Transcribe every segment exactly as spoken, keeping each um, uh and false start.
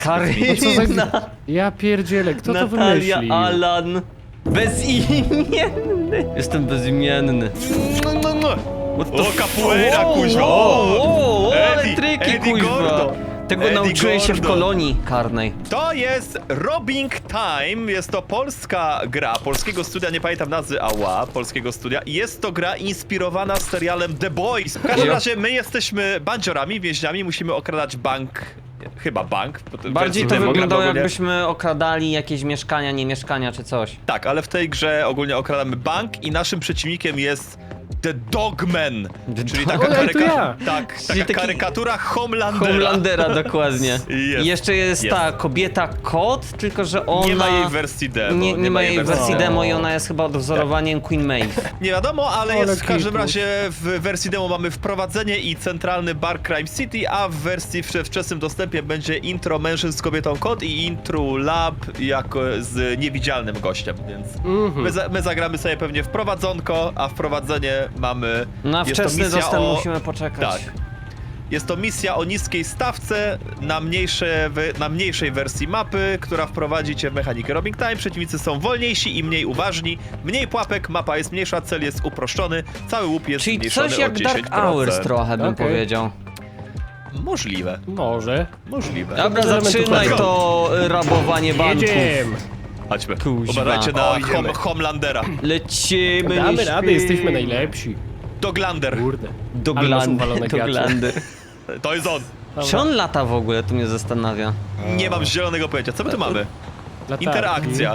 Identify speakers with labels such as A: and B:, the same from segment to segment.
A: Karina!
B: Ja pierdzielę, kto to
A: Natalia,
B: wymyślił?
A: Alan. Bezimienny. Jestem bezimienny. What the
C: O, capoeira,
A: Wow,
C: kuźwa!
A: wow,
C: O!
A: wow, ale
C: Eddie,
A: triki,
C: Eddie
A: kuźwa.
C: Gordo.
A: Tego
C: Eddie
A: nauczyłem się w
C: Gordo.
A: kolonii karnej.
C: To jest Robbing Time, jest to polska gra, polskiego studia, nie pamiętam nazwy, ała, polskiego studia. Jest to gra inspirowana serialem The Boys. W każdym
A: Jo.
C: razie my jesteśmy bandziorami, więźniami, musimy okradać bank, chyba bank. bo to
A: Bardziej
C: wersji
A: to
C: demo
A: wyglądało,
C: ogólnie-
A: jakbyśmy okradali jakieś mieszkania, nie mieszkania czy coś.
C: Tak, ale w tej grze ogólnie okradamy bank i naszym przeciwnikiem jest The Dogman,
A: The
C: czyli
A: Dog-
C: taka,
B: Ojej, to
C: karyka...
B: ja.
C: tak,
A: Czyli
C: taka
A: taki-
C: karykatura Homelandera.
A: Homelandera, dokładnie.
C: Jest,
A: I jeszcze jest,
C: jest.
A: ta kobieta kot, tylko że ona...
C: Nie ma jej wersji demo.
A: Nie, nie ma jej wersji
B: demo.
A: demo i ona jest chyba odwzorowaniem Queen Maeve.
C: Nie wiadomo, ale,
B: Ale
C: jest w każdym
B: kitus.
C: razie w wersji demo mamy wprowadzenie i centralny bar Crime City, a w wersji w wczesnym dostępie będzie intro mężczyzn z kobietą kot i intro lab jako z niewidzialnym gościem, więc
B: Mhm.
C: my, za, my zagramy sobie pewnie wprowadzonko, a wprowadzenie mamy...
A: Na
C: jest to
A: wczesny
C: misja
A: dostęp
C: o-
A: musimy poczekać.
C: Tak. Jest to misja o niskiej stawce na, mniejsze, we- na mniejszej wersji mapy, która wprowadzi cię w mechanikę Robbing Time. Przeciwnicy są wolniejsi i mniej uważni. Mniej pułapek, mapa jest mniejsza, cel jest uproszczony, cały łup jest
A: Czyli
C: zmniejszony
A: coś
C: o
A: jak
C: dziesięć
A: Dark
C: procent.
A: Hours trochę bym
B: Okej.
A: powiedział.
C: Możliwe,
B: Może.
C: możliwe.
A: Dobra,
B: elementów
A: zaczynaj
B: chodzą.
A: to y, rabowanie banków.
B: Jedziemy.
C: Chodźmy.
A: Kuźwa.
C: Uważajcie na
B: O, idziemy.
C: hom Homelandera.
A: Lecimy,
B: Damy
A: nie
B: radę,
A: śpi.
B: jesteśmy najlepsi.
C: Doglander.
B: Kurde.
A: Do
B: Ale masz
A: glandy,
B: uwalone
A: do
B: gacie.
A: glandy.
C: To jest on.
A: Czy on lata w ogóle, to mnie zastanawia.
C: Nie mam zielonego pojęcia. Co my tu mamy?
B: Latarki.
C: Interakcja.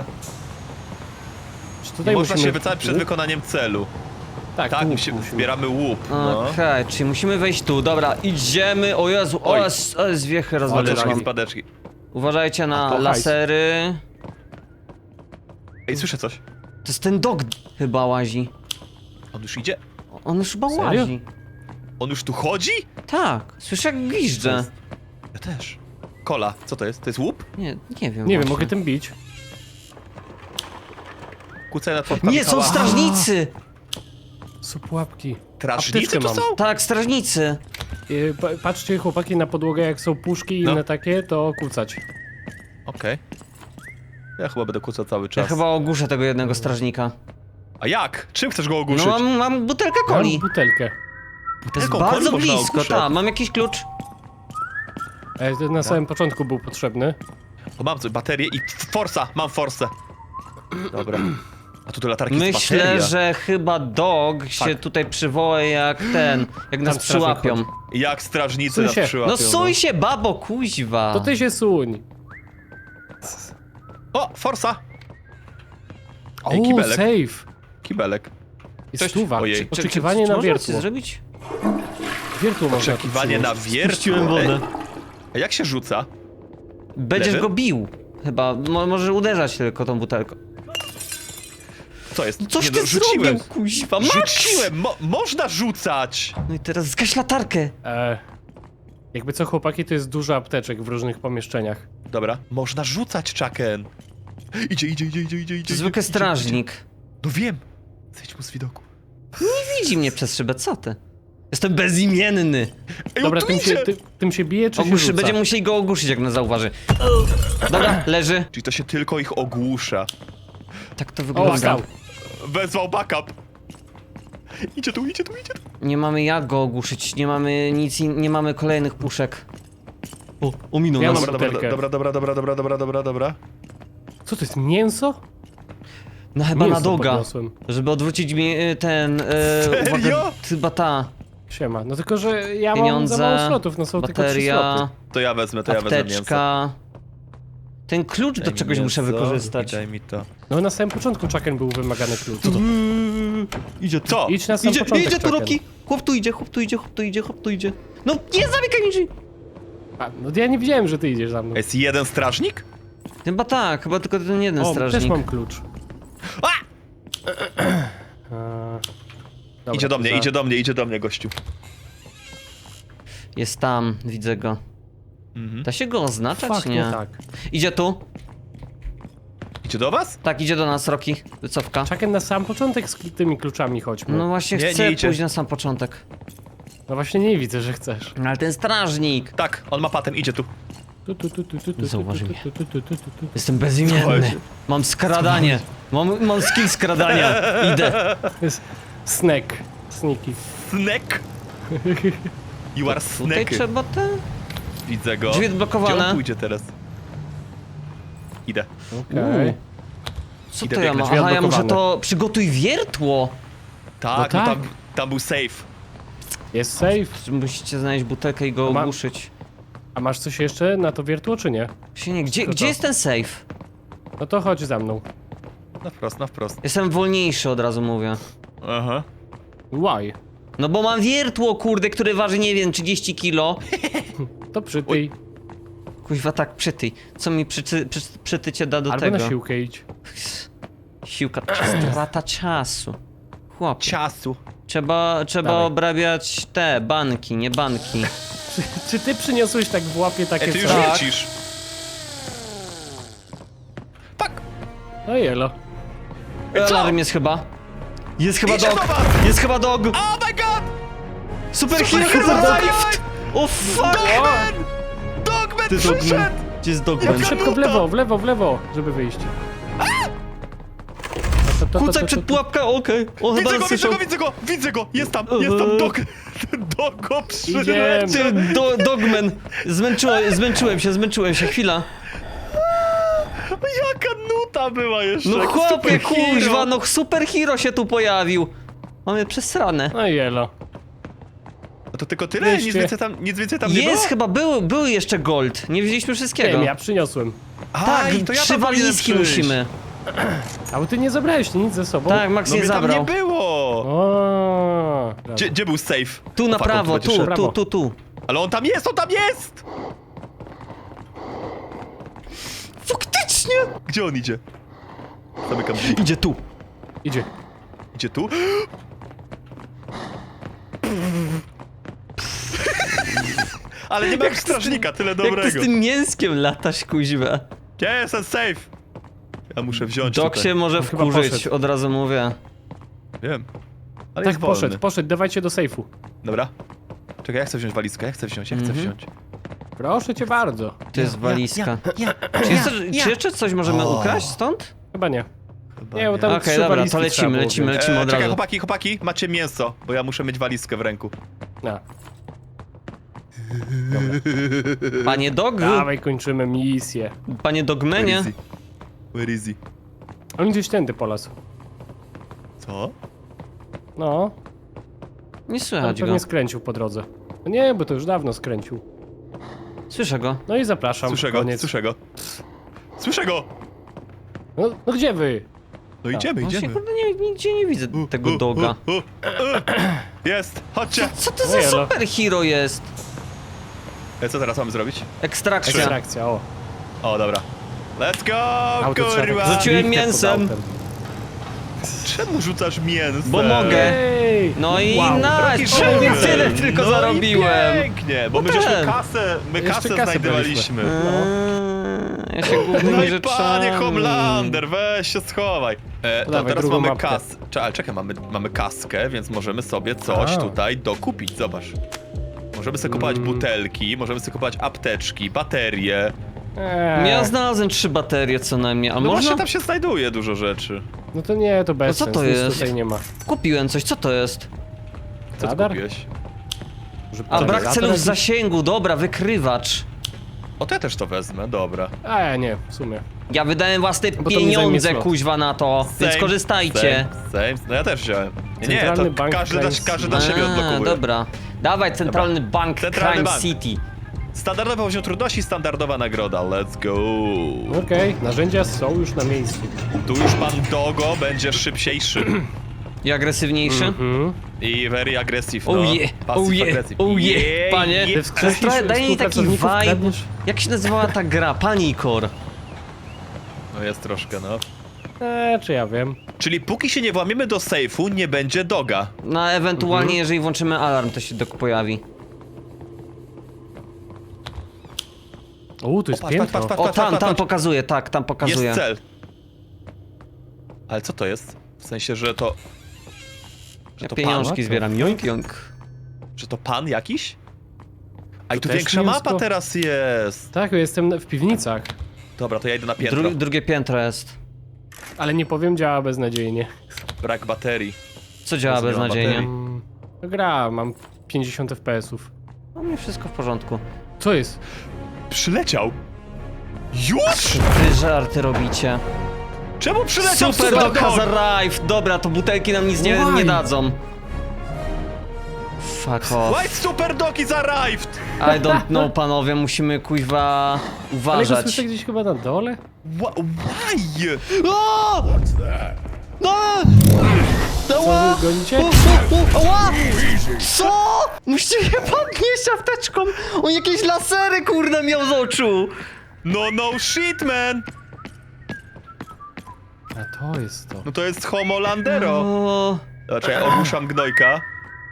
B: Czy tutaj
C: Można
B: musimy...
C: się wycofać przed wykonaniem celu.
B: Tak,
C: Tak,
B: tu
C: musimy, zbieramy łup. No.
A: Okej, czyli musimy wejść tu, dobra, idziemy, o Jezu, o
C: Oj.
A: jest, o jest wiechy
C: Spadeczki,
A: rozwaliłam.
C: spadeczki.
A: Uważajcie
B: A,
A: na
B: to hajs.
A: lasery.
C: Ej, słyszę coś.
A: To jest ten dog chyba łazi.
C: On już idzie?
A: On już chyba
B: Serio?
A: łazi.
C: On już tu chodzi?
A: Tak, słyszę jak gwizdże.
C: Ja też. Kola, co to jest? To jest łup?
A: Nie, nie wiem
B: Nie wiem,
A: właśnie.
B: mogę tym bić.
C: Kucaj na twarz
A: Nie, są strażnicy!
B: Są pułapki.
C: Strażnicy
B: Apteczkę
C: tu
B: mam.
C: są?
A: Tak, strażnicy.
B: Yy, pa- Patrzcie chłopaki na podłogę, jak są puszki i
C: No.
B: inne takie, to kucać.
C: Okej. Ja chyba będę kłócał cały
A: Ja
C: czas.
A: chyba ogłuszę tego jednego strażnika.
C: A jak? Czym chcesz go ogłuszyć?
A: No mam, mam butelkę
B: Mam
A: coli.
B: butelkę.
A: To jest
C: Butelką
A: bardzo
C: coli można
A: blisko,
C: ogłuszać?
A: tak. Mam jakiś klucz.
B: E, to na samym początku był potrzebny.
C: O, mam coś, baterię i forsa, mam forsę. Dobra. A tu do latarki jest
A: Myślę,
C: bateria.
A: że chyba dog się
B: Tak.
A: tutaj przywoła jak ten, jak nas
B: strażnik
A: przyłapią.
B: chodzi.
C: Jak strażnicy
B: Suń
C: nas
B: się.
C: przyłapią.
A: No suj się, babo, kuźwa.
B: To ty się suń.
C: O, forsa!
B: O,
C: Ej, kibelek.
B: save.
C: Kibelek.
B: Jest
C: Coś-
B: stuwa.
C: ojej.
A: Czy- czy-
B: Oczekiwanie
A: czy
B: na
A: można
B: wiertło.
A: coś zrobić?
B: Wiertło można tu
C: Oczekiwanie na
B: przynieść.
C: wiertło.
A: Spuściłem wodę.
C: Ej, A jak się rzuca?
A: Będziesz
C: Lewy?
A: go bił. Chyba, Mo możesz uderzać tylko tą butelką.
C: Co jest?
A: Coś
C: Nie,
A: ty
C: no, rzuciłem.
A: zrobił, kuźwa, Max!
C: Rzuciłem! Mo można rzucać!
A: No i teraz zgaś latarkę.
B: E, jakby co chłopaki, to jest dużo apteczek w różnych pomieszczeniach.
C: Dobra. Można rzucać, Chucken. Idzie, idzie, idzie, idzie, idzie, idzie.
A: To zwykły
C: idzie,
A: strażnik.
C: idzie. No wiem. Zejdź mu z widoku.
A: Nie widzi mnie przez szybę, co ty? Jestem bezimienny.
C: Ej,
B: Dobra,
C: on tu
B: tym się,
C: idzie!
B: ty, tym się bije, czy się
A: Ogłuszy,
B: rzuca?
A: będziemy musieli go ogłuszyć, jak nas zauważy. Dobra, leży.
C: Czyli to się tylko ich ogłusza.
A: Tak to
B: O,
A: wygląda.
B: stał.
C: Wezwał backup. Idzie tu, idzie tu, idzie tu.
A: Nie mamy jak go ogłuszyć, nie mamy nic, in- nie mamy kolejnych puszek. O, ominął
B: Ja
A: nas.
B: mam-
C: Dobra, dobra,
B: butelkę.
C: dobra, dobra, dobra, dobra, dobra, dobra, dobra.
B: Co to jest, mięso?
A: No chyba
B: Mięso
A: na doga,
B: podniosłem.
A: żeby odwrócić mi y, ten... Y,
C: Serio?
A: uwagę, chyba ta
B: Siema. No tylko, że ja mam
A: pieniądze,
B: za mało slotów, no są tylko trzy
A: bateria,
B: sloty.
C: To ja wezmę, to ja wezmę mięso.
A: apteczka. Ten klucz do
C: Daj mi
A: czegoś muszę
C: mięso
A: wykorzystać.
C: i Daj mi to.
B: No na samym początku Chucken był wymagany klucz.
A: Idzie tu.
C: Co?
B: Idź na sam
A: Idzie,
B: początek,
A: idzie tu
B: Chucken.
A: Roki! Chłop tu idzie, chłop tu idzie, chłop tu idzie, chłop tu idzie. No nie zamykaj mi drzwi!
B: A, no ja nie widziałem, że ty idziesz za mną.
C: Jest jeden strażnik?
A: Chyba tak, chyba tylko ten jeden
B: O,
A: strażnik.
B: też mam klucz.
C: A!
B: A, dobra,
C: Idzie do mnie,
B: za-
C: idzie do mnie, idzie do mnie, gościu.
A: Jest tam, widzę go.
C: Mhm.
A: Da się go oznaczać,
B: Fakt,
A: nie?
B: nie tak.
A: Idzie tu.
C: Idzie do was?
A: Tak, idzie do nas, Roki. Wycofka.
B: Chucken, na sam początek z tymi kluczami chodźmy.
A: No właśnie
C: Nie,
A: chcę
C: nie idzie.
A: pójść na sam początek.
B: No właśnie nie widzę, że chcesz.
A: No ale ten strażnik.
C: Tak, on ma patent, idzie tu.
B: Tu, tu, tu, tu, tu, tu,
A: Zauważy
B: tu,
A: mnie.
B: tu, tu, tu, tu, tu, tu.
A: Jestem bezimienny.
C: Słuchajcie.
A: Mam skradanie. Mam, mam skill skradania. Idę.
B: To jest snack. Sneaky.
C: Snack! You are
A: Tutaj
C: snack.
A: trzeba te...
C: Widzę go.
A: Drzwi
C: Gdzie
A: odblokowane.
C: on pójdzie teraz? Idę.
B: Okej.
A: Co
C: Idę
A: to ja
C: biegnąć.
A: mam? Aha, ja muszę
B: odblokowane.
A: to... Przygotuj wiertło.
C: Tak,
B: No
C: no,
B: tak.
C: tam, tam był safe.
B: Jest safe.
A: Musicie znaleźć butelkę i go
B: A ma-
A: ogłuszyć.
B: A masz coś jeszcze na to wiertło, czy nie?
A: Się nie, gdzie,
B: To
A: gdzie
B: to.
A: jest ten safe?
B: No to chodź za mną.
C: Na wprost, na wprost.
A: Jestem wolniejszy, od razu mówię.
C: Aha.
B: Why?
A: No bo mam wiertło, kurde, które waży, nie wiem, trzydzieści kilo.
B: To przytyj.
A: Kuźwa, tak, przytyj. Co mi przyty, przy, przytycie da do
B: Albo
A: tego?
B: na siłkę idź.
A: Siłka, strata czasu. Chłop,
C: Ciasu.
A: trzeba, trzeba
B: Dawaj.
A: obrabiać te banki, nie banki.
B: Czy, czy ty przyniosłeś tak w łapie takie
C: Ej, ty już
B: coś?
A: Tak.
C: lecisz. Fuck!
B: No jelo.
C: Ej, co?
A: Alarm jest chyba. Jest chyba
C: Idzie
A: dog.
C: do was!
A: Jest chyba dog.
C: Oh my god!
A: Super
C: Super
A: hero
C: hero
A: dog.
C: life!
A: O fuck!
C: Dogman! Dogman
A: Ty
C: przyszedł!
A: dogman. Gdzie jest dogman?
C: Jaka
B: Szybko w
C: nuta!
B: lewo, w lewo, w lewo, żeby wyjść. To, to, to, to,
A: Kucaj
B: to,
A: przed
B: to.
A: pułapką, okej. On chyba
C: Widzę go,
A: nas
C: widzę
A: słyszał.
C: go, widzę go! Widzę go! Jest tam, jest tam dog! Dogo
B: Idziemy.
C: przyleciał!
A: Ty, do, dogman. Zmęczyłem, zmęczyłem się, zmęczyłem się, chwila.
C: Jaka nuta była jeszcze!
A: No
C: jak
A: chłopie,
C: super hero.
A: kuźwa, no super hero się tu pojawił. Mamy przesrane.
B: No jelo.
C: No to tylko tyle? Nic
B: Wreszcie.
C: więcej tam, nic więcej tam nie było?
A: Jest chyba, był, był jeszcze gold. Nie wzięliśmy wszystkiego.
B: Wiem, ja przyniosłem.
C: A,
A: Tak,
C: i to ja
A: trzy
C: tam powinienem
A: walizki
C: przyjść.
A: musimy.
B: A bo ty nie zabrałeś nic ze sobą?
A: Tak, Max
C: No
A: nie
C: mnie tam
A: zabrał.
C: nie było!
B: O,
C: Gdzie, gdzie był safe?
A: Tu na
C: O, fuck, on
A: prawo,
C: będzie
A: tu,
C: szedł.
A: tu,
B: Prawo.
A: tu, tu.
C: Ale on tam jest, on tam jest!
A: Faktycznie!
C: Gdzie on idzie? Zamykam drzwi.
A: Idzie tu.
B: Idzie.
C: Idzie tu? Ale nie ma jak strażnika, tyle
A: Jak ty z
C: dobrego.
A: tym mięskiem latasz, kuźwa.
C: Gdzie jest ten safe? Ja muszę wziąć
A: Dok
C: tutaj.
A: się może
B: On chyba
A: wkurzyć,
B: poszedł.
A: od razu mówię.
C: Wiem. Ale
B: Tak,
C: jest wolny.
B: poszedł, poszedł, dawajcie do sejfu.
C: Dobra. Czekaj, ja chcę wziąć walizkę, ja chcę wziąć, ja chcę
A: Mhm.
C: wziąć.
B: Proszę cię bardzo.
A: To jest walizka. Czy, jest, czy jeszcze coś możemy
C: O.
A: ukraść stąd?
B: Chyba nie.
C: Chyba
B: Nie, bo tam
A: Okej,
B: trzy
A: dobra,
B: walizki
A: to lecimy,
B: trzeba było
A: lecimy,
B: wziąć.
A: lecimy.
C: E,
A: od
C: czekaj,
A: razu.
C: chłopaki, chłopaki, macie mięso, bo ja muszę mieć walizkę w ręku.
B: No.
A: Panie Dog?
B: Dawaj, kończymy misję.
A: Panie Dogmenie?
C: Where is he? Where is he?
B: On gdzieś tędy polasł.
C: Co?
B: No,
A: Nie
B: on
A: słychać go.
B: pewnie skręcił po drodze. No nie, bo to już dawno skręcił.
A: Słyszę go.
B: No i zapraszam.
C: Słyszę go,
B: Koniec.
C: słyszę go. Słyszę go!
B: No, no gdzie wy?
C: No idziemy,
A: Właśnie,
C: idziemy.
A: kurde, nie, nigdzie nie widzę tego doga.
C: U, u, u. Jest, chodźcie!
A: Co to
B: No
A: za
B: jelo.
A: super hero jest?
C: E, co teraz mamy zrobić?
A: Ekstrakcja.
B: Ekstrakcja, o.
C: O, dobra. Let's go,
B: Auto trzeba
C: kurwa!
B: tak
A: Rzuciłem
B: zbiwkę pod
A: mięsem.
B: autem.
C: Czemu rzucasz mięso?
A: Bo mogę.
B: Ej!
A: No i
B: Wow.
A: nice,
C: Rocky
A: prawie
C: Sugar.
A: tyle tylko
C: no
A: zarobiłem.
C: I pięknie, bo
A: No
C: my żeśmy
A: ten.
C: kasę, my
B: Jeszcze
C: kasę
B: kasę
C: znajdowaliśmy.
A: Eee, ja się
C: No
A: głównymi
C: i
A: rzeczami.
C: panie Homelander, weź się schowaj. E, to
B: Dawaj,
C: teraz
B: drugą
C: mamy
B: mapkę.
C: kas... Czekaj, czekaj, mamy, mamy kaskę, więc możemy sobie coś
B: A.
C: tutaj dokupić, zobacz. Możemy sobie kupować
B: Mm.
C: butelki, możemy sobie kupować apteczki, baterie.
B: Eee,
A: Ja znalazłem trzy baterie co najmniej, a
C: No
A: można?
C: właśnie tam się znajduje dużo rzeczy.
B: No to nie, to bez
A: co
B: sensu,
A: to
B: nic
A: jest?
B: tutaj nie ma.
A: Kupiłem coś, co to jest?
C: Co ty
B: Radar?
C: kupiłeś?
B: Może
A: A brak
B: polarizator
A: celów
B: jakiś?
A: zasięgu, dobra, wykrywacz.
C: O, to ja też to wezmę, dobra.
B: A ja nie, w sumie.
A: Ja wydałem własne
B: Bo to mi zajmie
A: pieniądze,
B: slot.
A: kuźwa, na to, więc
C: Same,
A: korzystajcie.
C: Same, same. No ja też wziąłem. Nie, nie,
B: Centralny
C: to
B: Bank
C: każdy,
B: Crime
C: da, każdy dla
A: A,
C: siebie odblokowuje.
A: dobra. Dawaj, Centralny Bank
C: Centralny
A: Crime
C: bank.
A: City.
C: Standardowy poziom trudności, standardowa nagroda, let's go.
B: Okej, narzędzia są już na miejscu.
C: Tu już pan Dogo będzie szybciejszy.
A: I agresywniejszy?
B: Mhm.
C: I very aggressive, no.
A: Oh yeah,
C: Passive
A: oh yeah,
C: aggressive.
A: oh yeah,
C: Yeah,
A: panie.
C: yeah.
B: Ty
A: To jest
B: wskrzesisz
A: trochę, daje mi taki
B: współpracowników,
A: vibe.
B: kradniesz?
A: Jak się nazywała ta gra? Panikor.
C: No jest troszkę, no.
B: Eee, czy ja wiem.
C: Czyli póki się nie włamiemy do sejfu, nie będzie Doga.
A: No ewentualnie,
B: Mhm.
A: jeżeli włączymy alarm, to się dok pojawi.
B: O, tu jest
C: O, patrz, patrz,
B: piętro.
C: patrz,
A: O,
C: patrz,
A: tam,
C: patrz,
A: tam
C: patrz.
A: pokazuje, tak, tam pokazuje.
C: Jest cel. Ale co to jest? W sensie, że to... Że
A: Ja
C: to
A: pieniążki
C: pan?
A: zbieram, joink, joink.
C: Że to pan jakiś? A i tu
B: też
C: większa
B: mięsko?
C: mapa teraz jest.
B: Tak, ja jestem w piwnicach.
C: Dobra, to ja idę na piętro.
A: Dru drugie piętro jest.
B: Ale nie powiem, działa beznadziejnie.
C: Brak baterii.
A: Co działa
C: Jezu, nie ma
A: beznadziejnie?
C: baterii.
B: Mm, to gra, mam pięćdziesiąt F P S-ów.
A: No mnie wszystko w porządku.
B: Co jest?
C: Przyleciał? Już?
A: Wy żarty robicie.
C: Czemu przyleciał
A: Super
C: Super
A: Dog has
C: Dog?
A: arrived! Dobra, to butelki nam nic nie,
B: Why?
A: nie dadzą. Fuck off.
C: White Super Dog is arrived!
A: I don't know, panowie, musimy kuźwa
B: Ale go
A: uważać.
B: słyszę gdzieś chyba na dole?
C: Wha- Why?
A: O! No!
B: Co,
A: Ała!
B: wy gonicie?
A: O, o, o, ała! Co? Musicie je podnieść apteczką! On jakieś lasery, kurde, miał z oczu!
C: No, no shit, man!
B: A to jest to.
C: No to jest Homo Landero.
A: O,
C: Znaczy, ja ogłuszam gnojka. E,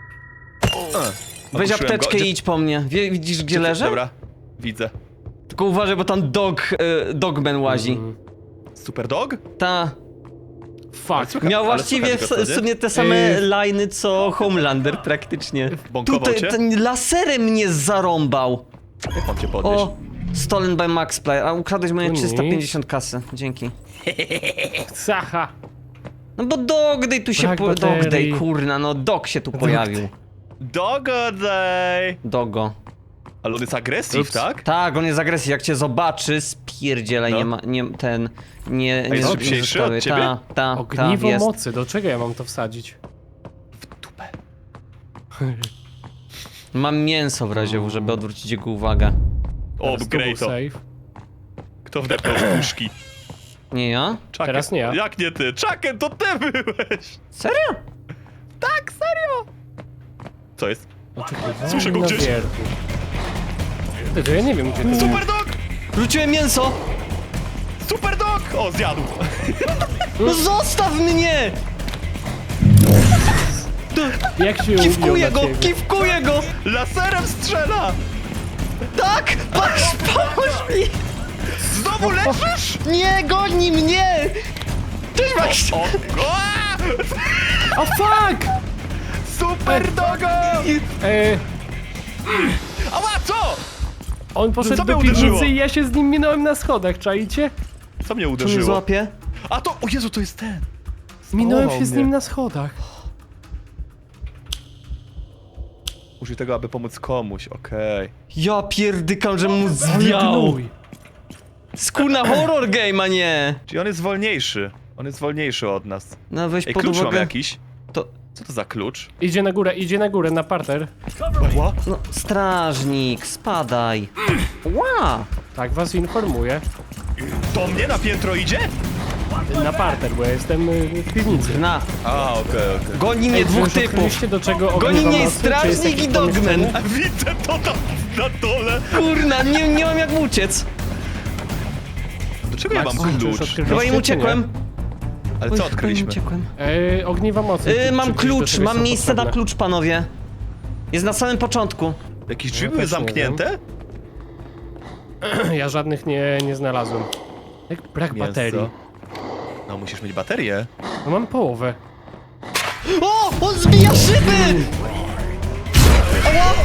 A: weź
C: ogłuszyłem
A: apteczkę
C: go.
A: i idź po mnie. Wie, widzisz, gdzie
C: Gdzie-
A: leżę?
C: Dobra, widzę.
A: Tylko uważaj, bo tam dog, e, dogman łazi.
B: Mm.
C: Super Dog?
A: Ta.
B: Fuck.
C: Słuchaj,
A: Miał
C: ale
A: właściwie
C: słychać go,
A: w,
C: co,
A: w
C: nie?
A: sumie te same
B: Yy.
A: liny co Homelander praktycznie.
C: Bąkował
A: Tutaj
C: cię?
A: ten laserem mnie zarąbał.
C: Jak mam cię podnieść?
A: O, stolen by Max Player. A ukradłeś moje
B: Tu
A: trzysta pięćdziesiąt
B: nic.
A: kasy. Dzięki.
B: Sacha.
A: No bo Dogday tu się
B: Brak
A: po...
B: baterii.
A: Dogday, kurna, no Dog się tu pojawił.
C: Dogodaj!
A: Dogo.
C: Ale on jest agresyw,
B: Ups.
C: tak?
A: Tak, on jest agresji. Jak cię zobaczy, spierdzielaj,
C: No.
A: nie ma, nie, ten, nie, nie,
C: jest
A: nie
C: szybciejszy od
A: zostawię.
C: ciebie?
A: Ta, ta, ta,
B: Ogniwo
A: jest.
B: mocy, do czego ja mam to wsadzić?
C: W dupę.
A: Mam mięso w razie, żeby odwrócić jego uwagę.
C: O,
B: Teraz tu był
C: grej to.
B: save.
C: Kto wdepnął w puszki?
A: Nie ja?
C: Chucken.
B: Teraz nie ja.
C: Jak nie ty? Chucken, to ty byłeś!
A: Serio?
C: Tak, serio! Co jest?
B: Oczekiwanie
C: Słyszę go
B: na
C: gdzieś.
B: wierchu. Ty, to ja nie wiem, gdzie to jest.
C: Super Dog!
A: Wróciłem mięso!
C: Super Dog! O, zjadł!
A: No zostaw mnie!
B: Jak się
A: Kiwkuję
B: ubił
A: go,
B: na ciebie?
A: kiwkuję go!
C: Laserem strzela!
A: Tak! Patrz, pomóż mi!
C: Znowu leżysz?
A: Nie, goni mnie! Cześć, Max!
C: O! O!
B: O fuck!
C: Super Dogo!
B: E,
C: Ała, co?
B: on poszedł
C: Co
B: do
C: mnie uderzyło?
B: piwnicy i ja się z nim minąłem na schodach, czaicie?
C: Co mnie
A: Czy mnie
C: uderzyło?
A: złapie?
C: A to, o Jezu, to jest ten!
B: Minąłem
C: Spałował
B: się z
C: mnie.
B: nim na schodach.
C: Użyj tego, aby pomóc komuś, okej.
A: Ja pierdykam, że mu zwiał!
B: Gnój.
A: Skuna horror game, a nie!
C: Czyli on jest wolniejszy. On jest wolniejszy od nas.
A: No weź
C: Ej,
A: pod
C: klucz mam
A: uwagę...
C: jakiś.
A: To...
C: Co to za klucz?
B: Idzie na górę, idzie na górę, na parter.
C: Ła?
A: No, strażnik, spadaj! Ła!
B: Tak was informuję.
C: To mnie na piętro idzie?
B: Na parter, bo ja jestem y, w piwnicy.
A: Na!
C: A, okej, okej.
A: Goni mnie
B: Ej,
A: dwóch
B: już
A: typów!
B: odkryliście, do czego
A: Goni
B: ogniwa
A: mnie
B: mocy? Czy jest
A: strażnik
B: jakieś
A: i dogman!
B: pomieszczenie?
C: A widzę to tam na dole!
A: Kurna, nie, nie mam jak uciec!
C: Do czego ja
B: Max,
C: mam
B: czy już
C: klucz?
B: odkryliście,
A: Chyba im
B: czy
A: uciekłem.
C: Ale
A: Oj,
C: co
A: chyba im
C: odkryliśmy?
A: uciekłem.
B: E, ogniwa mocy.
A: Yy,
B: czy-
A: mam
B: czy gdzieś do
A: klucz,
B: czegoś
A: mam
B: są
A: miejsce na
B: potrzebne?
A: klucz, panowie. Jest na samym początku.
C: Jakieś drzwi
B: No,
C: były
B: też nie
C: zamknięte?
B: Ja żadnych nie, nie znalazłem. Jak brak
C: Mięso.
B: baterii.
C: No, musisz mieć baterię.
B: No mam połowę.
A: O! On zbija szyby! Ała!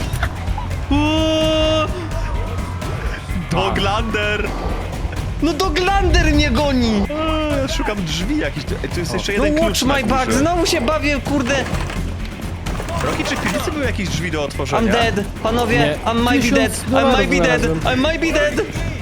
A: Uuu,
C: Doglander!
A: no Doglander mnie goni!
C: Eee, ja szukam drzwi jakichś. Ej, tu jest jeszcze
A: No
C: jeden
A: watch
C: klucz na
A: my back,
C: górze.
A: znowu się bawię, kurde.
C: Roki, czy w piwnicy były jakieś drzwi do otworzenia?
A: I'm dead, panowie,
B: Nie.
A: I might be
B: Tysiąc
A: dead, I
B: dolarów
A: might be dead,
B: znalazłem.
A: I might be dead.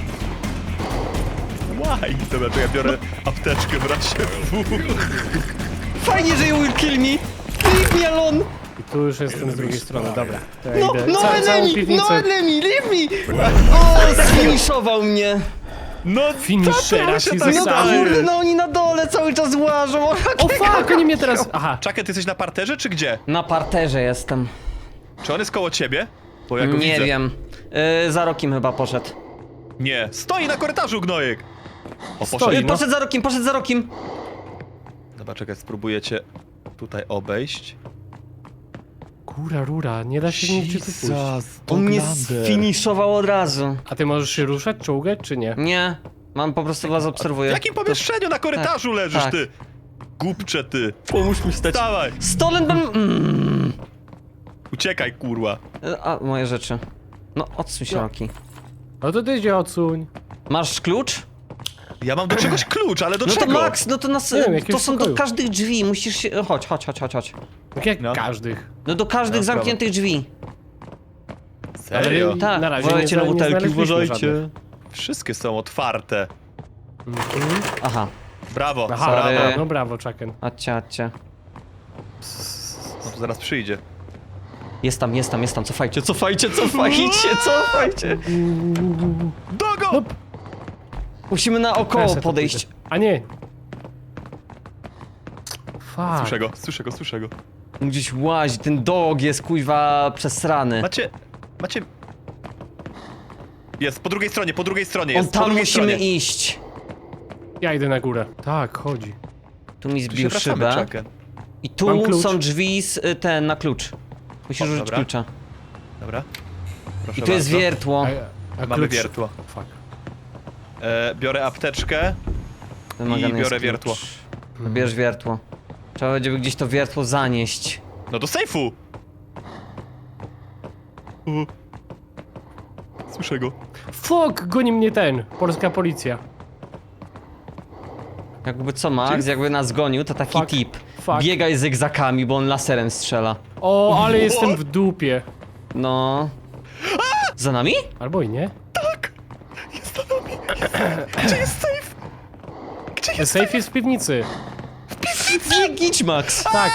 C: Why? Dobra, to ja biorę apteczkę w razie W.
A: Fajnie, że you will kill me. Leave me alone.
B: I tu już jestem z drugiej strony, dobra. To ja
A: No,
B: idę.
A: no
B: Ca- całą
A: enemy,
B: piwnicę.
A: no enemy, leave me. O, sfiniszował mnie.
C: No,
B: Finishera
C: co ty
B: ci
C: mu się tak
A: No
B: Zostały.
A: kurde,
C: staje?
A: no oni na dole cały czas łażą.
B: O fuck, oni mnie teraz... Aha.
C: Czakę, ty jesteś na parterze, czy gdzie?
A: Na parterze jestem.
C: Czy on jest koło ciebie? Bo ja go
A: Nie
C: widzę.
A: wiem. Yy, za rokiem chyba poszedł.
C: Nie, stoi na korytarzu, gnojek! O,
B: Stoi,
C: poszedł.
A: Yy,
B: no.
A: poszedł za rokiem, poszedł za rokiem.
C: Dobra, czekaj, spróbuję cię tutaj obejść.
B: Kura, rura, nie da się nigdzie tu pójść.
A: On mnie
C: Doglander.
A: sfiniszował od razu.
B: A ty możesz się ruszać, czołgać, czy nie?
A: Nie, mam po prostu was
C: W
A: obserwuję.
C: jakim pomieszczeniu na korytarzu leżysz,
A: tak.
C: ty? Głupcze ty.
A: Pomóż mi wstać.
C: Dawaj,
A: Stolen bym... Mm.
C: uciekaj, kurwa.
A: E, A, moje rzeczy. No, odsuń się,
B: No.
A: Roki.
B: No to ty się odsuń.
A: Masz klucz?
C: Ja mam do czegoś klucz, ale do
A: No to
C: czego?
A: Max, no to nas,
B: Nie wiem, jakiegoś
A: to są do
B: pokoju.
A: każdych drzwi, musisz się... Chodź, chodź, chodź, chodź, chodź.
B: Tak jak
C: No.
B: każdych.
A: No do każdych
C: No,
A: zamkniętych drzwi.
C: Serio?
B: Ale-
A: Tak,
B: Na razie
A: uważajcie
B: nie
A: na
B: zna- nie
A: butelki,
B: znaleźliśmy
A: uważajcie.
B: żadnych.
C: Wszystkie są otwarte.
B: Mhm.
A: Aha,
C: Brawo,
B: Aha,
A: Sorry.
C: brawo.
B: no brawo, Chucken.
A: chodźcie, chodźcie.
C: No to zaraz przyjdzie.
A: Jest tam, jest tam, jest tam, cofajcie, cofajcie, cofajcie, cofajcie.
C: Dogo!
B: No,
A: Musimy naokoło
B: Ja se to
A: podejść.
B: pójdę. A nie. Fuck.
C: Słyszę go, słyszę go, słyszę go.
A: Gdzieś łazi, ten dog jest kuźwa przesrany.
C: Macie, macie... Jest, po drugiej stronie, po drugiej stronie
A: On
C: jest, po
A: tam
C: drugiej
A: musimy
C: stronie.
A: iść.
B: Ja idę na górę. Tak, chodzi.
A: Tu mi
C: Tu się
A: zbił
C: wracamy,
A: szybę.
C: Chucken.
A: I
B: Mam
A: tu
B: klucz.
A: są drzwi z y, ten na klucz. Musisz
C: O,
A: użyć
C: dobra.
A: klucza.
C: Dobra. Proszę
A: I tu jest
C: bardzo.
A: wiertło.
B: A, a
C: Mamy
B: klucz...
C: wiertło.
B: Fuck.
C: E, biorę apteczkę.
A: Wymagany
C: I
A: jest
C: biorę
A: klucz.
C: wiertło.
A: Bierz wiertło. Trzeba będzie gdzieś to wiertło zanieść.
C: No do sejfu! U. Słyszę go.
B: Fuck, goni mnie ten. Polska policja.
A: Jakby co, Max,
C: Czyli-
A: jakby nas gonił, to taki
B: Fuck.
A: tip.
B: Fuck.
A: Biegaj zygzakami, bo on laserem strzela.
B: O, ale jestem w dupie.
A: No. Za nami?
B: Albo i nie.
C: Tak! Jest za nami! Gdzie jest safe? Gdzie jest
B: Safe jest w piwnicy.
A: Nie gidź, Max!
B: Tak.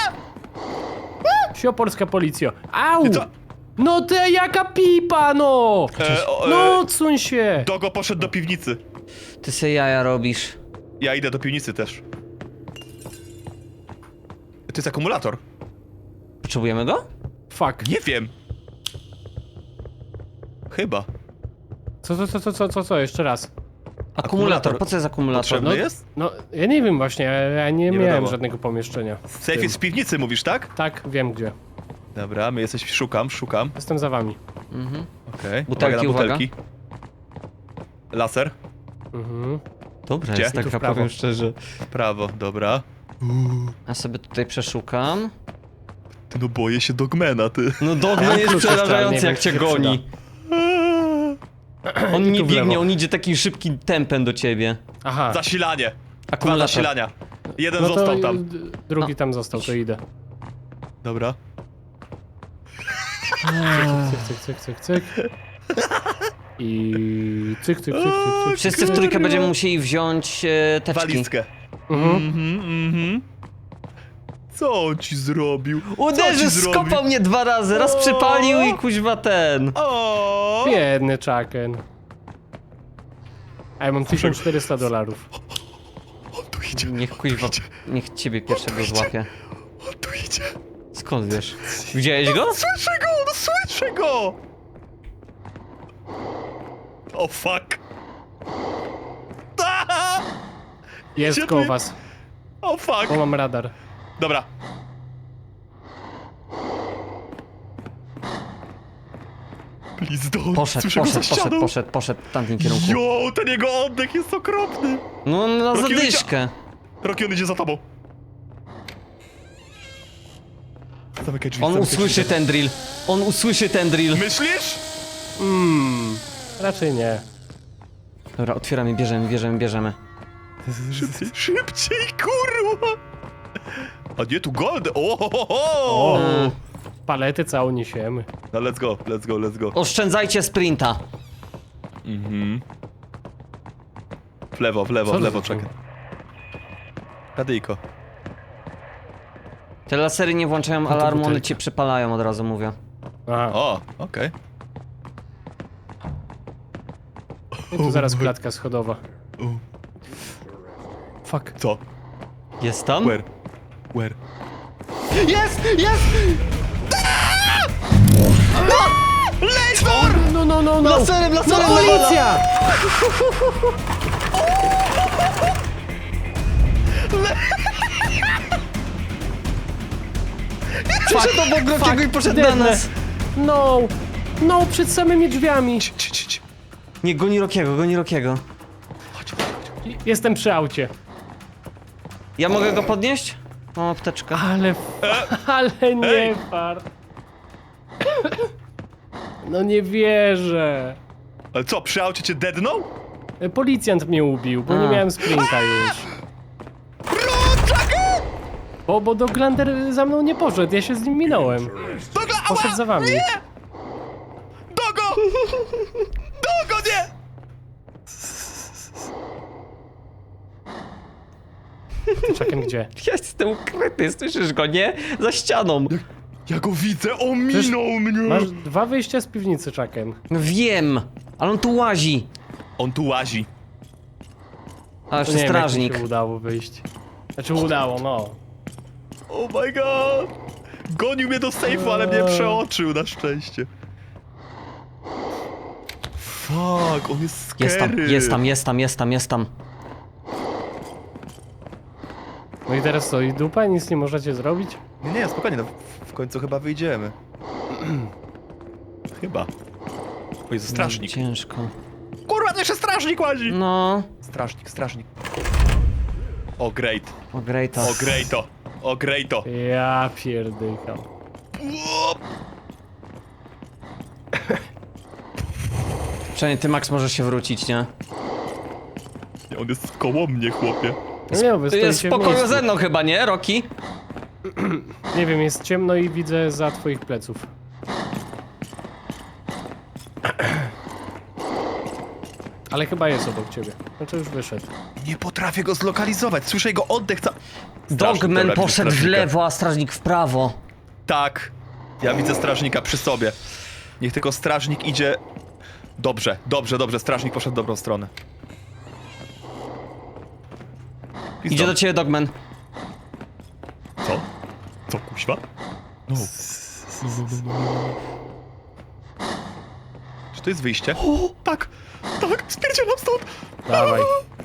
B: Sio, polska policjo. Au!
C: to-
B: No ty jaka pipa, no!
C: E, o, e,
B: No, odsuń się!
C: Dogo poszedł do piwnicy.
A: Ty se jaja robisz.
C: Ja idę do piwnicy też. To jest akumulator.
A: Potrzebujemy go?
B: Fuck.
C: Nie wiem. Chyba.
B: Co, co, co, co, co, co, co, jeszcze raz?
A: Akumulator,
C: Akumulator.
A: po co jest akumulator?
C: Potrzebny
B: No,
C: jest?
B: no, ja nie wiem właśnie, ja, ja nie,
C: Nie
B: miałem
C: wiadomo.
B: żadnego pomieszczenia.
C: Safe jest w piwnicy, mówisz, tak?
B: Tak, wiem gdzie.
C: Dobra, my jesteś... Szukam, szukam.
B: Jestem za wami.
A: Mhm.
C: Okej.
A: Butelki,
C: uwaga na
A: uwaga.
C: butelki. Laser.
B: Mhm.
A: Dobra,
C: Gdzie?
A: jest
C: I
B: tu w
A: taka,
B: prawo.
A: powiem szczerze.
C: W prawo, dobra.
A: Ja sobie tutaj przeszukam.
C: Ty no boję się Dogmana, ty.
A: No
B: Ja
A: Dogman
B: mam
A: jest
B: klucz jeszcze, ale nie
A: przerażający,
B: wiem,
A: jak
B: czy
A: cię
B: się
A: goni. On nie
B: tu w
A: biegnie,
B: lewo.
A: on idzie takim szybkim tempem do ciebie.
B: Aha.
C: Zasilanie. Dwa
A: Akumulator.
C: zasilania. Jeden
B: No to
C: został tam.
B: y, drugi
A: No.
B: tam został, to idę.
C: Dobra.
B: Cyk, cyk, cyk, cyk, cyk. I cyk, cyk, cyk, cyk, cyk.
A: Wszyscy w trójkę będziemy musieli wziąć e, teczki.
C: Walizkę.
B: Mhm.
C: Mhm, mhm. Co on ci zrobił? Co
A: Uderzył,
C: ci zrobił?
A: skopał mnie dwa razy, raz
C: O!
A: przypalił i kuźwa ten.
C: O!
B: Biedny Chucken. A ja mam tysiąc czterysta dolarów.
C: On tu idzie.
A: Niech kuźwa, niech ciebie pierwszego
C: idzie.
A: złapie.
C: On tu idzie.
A: Skąd wiesz? Widziałeś go?
C: Słyszę go! No słyszę go! O fuck! Ah!
B: Jest
C: Gdzie
B: koło
C: ty-
B: was,
C: O fuck!
B: bo mam radar.
C: Dobra. Please don't.
A: Poszedł,
C: Słyszę go za
A: poszedł, poszedł,
C: ścianą.
A: poszedł, poszedł w tamtym kierunku.
C: Jo, ten jego oddech jest okropny.
A: No na
C: Rocky
A: zadyszkę.
C: Rocky, on idzie za tobą. Zamykaj drzwi,
A: On
C: zamykaj
A: usłyszy
C: drzwi.
A: ten drill. On usłyszy ten drill.
C: Myślisz?
B: Mmm, raczej nie.
A: Dobra, otwieramy, bierzemy, bierzemy, bierzemy.
C: Szybciej, szybciej, kurwa! A nie, tu gold! O, ho, ho, ho.
B: O,
A: E,
B: palety całą niesiemy.
C: No let's go, let's go, let's go.
A: Oszczędzajcie sprinta.
C: Mhm. W lewo, w lewo,
B: Co
C: w
B: to
C: lewo,
B: za
C: czekaj. Radyjko.
A: Te lasery nie włączają
B: to
A: alarmu, one
B: butelka.
A: cię przypalają, od razu mówię.
B: Aha,
C: O, okej.
B: i tu zaraz klatka schodowa.
C: O,
B: Fuck.
C: co?
A: Jest tam?
C: Where? Where?
A: Jest! Jest!
B: No, no, no, no!
A: Laserem,
B: No
A: laserem!
B: policja!
A: Przyszedł obok Rockiego i poszedł na
B: Biedne.
A: nas.
B: No! No, przed samymi drzwiami!
C: Ci, ci, ci.
A: Nie, goni Rockiego, goni Rockiego.
C: Chodź, chodź, chodź.
B: Jestem przy aucie.
A: Ja mogę go podnieść? Mam apteczkę.
B: Ale... Ale nie
C: Ej.
B: far. No nie wierzę.
C: Ale co, przy aucie cię deadnął?
B: E, Policjant mnie ubił, bo
A: A.
B: nie miałem sprinta już. Bo, bo Doglander za mną nie poszedł, ja się z nim minąłem.
C: Dogla,
B: Poszedł za wami.
C: Dogo! Dogo, nie!
B: Czekam gdzie?
A: Ja jestem ukryty, słyszysz go, nie? Za ścianą.
C: Ja go widzę, on
B: Przecież
C: minął mnie!
B: Masz dwa wyjścia z piwnicy, Czakiem.
A: Wiem, ale on tu łazi.
C: On tu łazi.
A: A jeszcze
B: Nie wiem, jak mi
A: strażnik.
B: się udało wyjść. Znaczy udało, no.
C: Oh my god! Gonił mnie do sejfu, ale mnie przeoczył na szczęście. Fuck, on jest scary.
A: Jest tam, jest tam, jest tam, jest tam, jest tam.
B: No i teraz co, i dupa? Nic nie możecie zrobić?
C: Nie, nie, spokojnie, no w- w końcu chyba wyjdziemy. Chyba. O Jezu, strażnik.
A: Ciężko.
C: Kurwa, to jeszcze strażnik łazi!
A: No.
C: Strażnik, strażnik. O, great.
A: O, great.
C: O, greato. O, greato.
B: Ja pierdykam.
C: Uop.
A: Przynajmniej ty, Max, możesz się wrócić, nie?
C: Nie, on jest koło mnie, chłopie.
B: No nie, wy
A: Ty jest w
B: stoicie w
A: pokoju
B: miejscu.
A: ze mną chyba, nie, Roki?
B: Nie wiem, jest ciemno i widzę za twoich pleców. Ale chyba jest obok ciebie. Znaczy już wyszedł.
C: Nie potrafię go zlokalizować, słyszę jego oddech ca... Strażnik,
A: Dogman
C: dobra,
A: poszedł w
C: strażnika.
A: lewo, a strażnik w prawo.
C: Tak. Ja widzę strażnika przy sobie. Niech tylko strażnik idzie... Dobrze, dobrze, dobrze, strażnik poszedł w dobrą stronę. Pizdo.
A: Idzie do ciebie, Dogman.
C: Co? Co, kuźwa? No. Czy to jest wyjście? O, tak, tak, spierdzielam stąd!
B: Dawaj.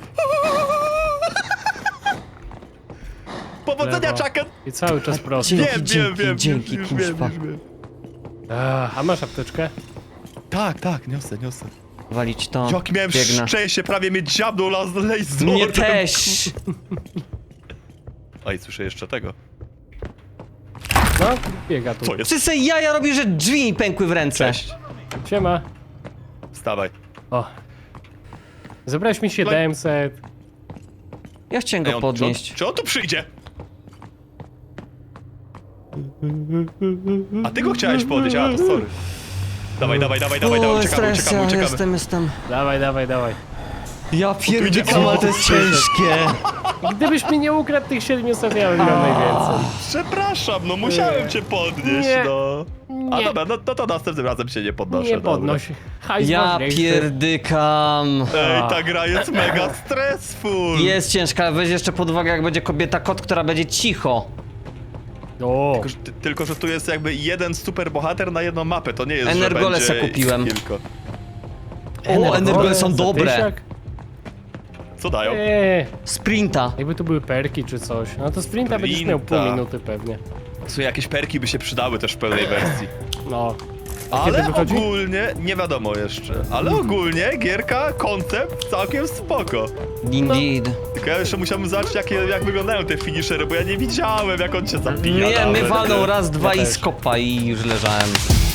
C: Powodzenia,
B: Lewo.
C: Chucken!
B: I cały czas prosto.
A: Dzięki,
C: Wiem,
A: dzięki,
C: wiem, wiem,
A: dzięki,
C: już, już wiem,
A: kuźwa.
C: już wiem.
B: A, a masz apteczkę?
C: Tak, tak, niosę, niosę.
A: Walić to.
C: Jaki miałem
A: Biegnę.
C: szczęście, prawie mnie dziabnął las laserem.
A: Mnie też.
C: Oj, słyszę jeszcze tego.
B: No, biega tu.
C: Co jest?
A: Ty se jaja robi, że drzwi mi pękły w ręce.
C: Cześć.
B: Siema.
C: Wstawaj.
B: O. Zebrałeś mi siedemset.
A: Ja chciałem
C: Ej,
A: go
C: on, czy, on,
A: podnieść.
C: czy on tu przyjdzie? A ty go chciałeś podnieść, a to sorry. Dawaj, dawaj, dawaj, dawaj, dawaj,
A: O,
C: uciekamy,
A: stres,
C: uciekamy, uciekamy.
A: jestem, jestem.
B: Dawaj, dawaj, dawaj.
A: Ja
C: idzie-
A: pierdolę, ale to jest
C: o,
A: ciężkie.
B: Gdybyś mi nie ukradł tych siedmiuset, ja bym miał najwięcej.
C: Przepraszam, no musiałem
B: Nie.
C: cię podnieść,
B: Nie.
C: no. A
B: Nie.
C: dobra, no, no to następnym razem się nie podnoszę.
B: Nie
C: dobra.
B: podnoś. Hajs
A: Ja
B: ważniejszy.
A: pierdykam.
C: Ej,
B: A.
C: ta gra jest mega stressful.
A: Jest ciężka, ale weź jeszcze pod uwagę, jak będzie kobieta kot, która będzie cicho.
B: O.
C: Tylko że, ty- tylko, że tu jest jakby jeden super bohater na jedną mapę, to nie jest,
A: Energole
C: że
A: se
C: będzie
A: kupiłem.
C: kilka.
A: O, energole są
B: za
A: dobre.
B: tysiak?
C: Co dają?
B: Eee,
A: Sprinta.
B: jakby tu były perki czy coś. No to sprinta będziesz miał pół
C: Sprinta.
B: minuty pewnie.
C: Słuchaj, jakieś perki by się przydały też w pełnej wersji.
B: No. A kiedy
C: Ale
B: wychodzi?
C: ogólnie, nie wiadomo jeszcze, ale ogólnie gierka, koncept całkiem spoko.
A: Indeed.
C: Tylko ja jeszcze musiałbym zobaczyć, jakie, jak wyglądają te finishery, bo ja nie widziałem, jak on cię zabija.
A: Nie, my
C: nawet.
A: walną raz, dwa
B: Ja
A: i
B: też.
A: skopa i już leżałem.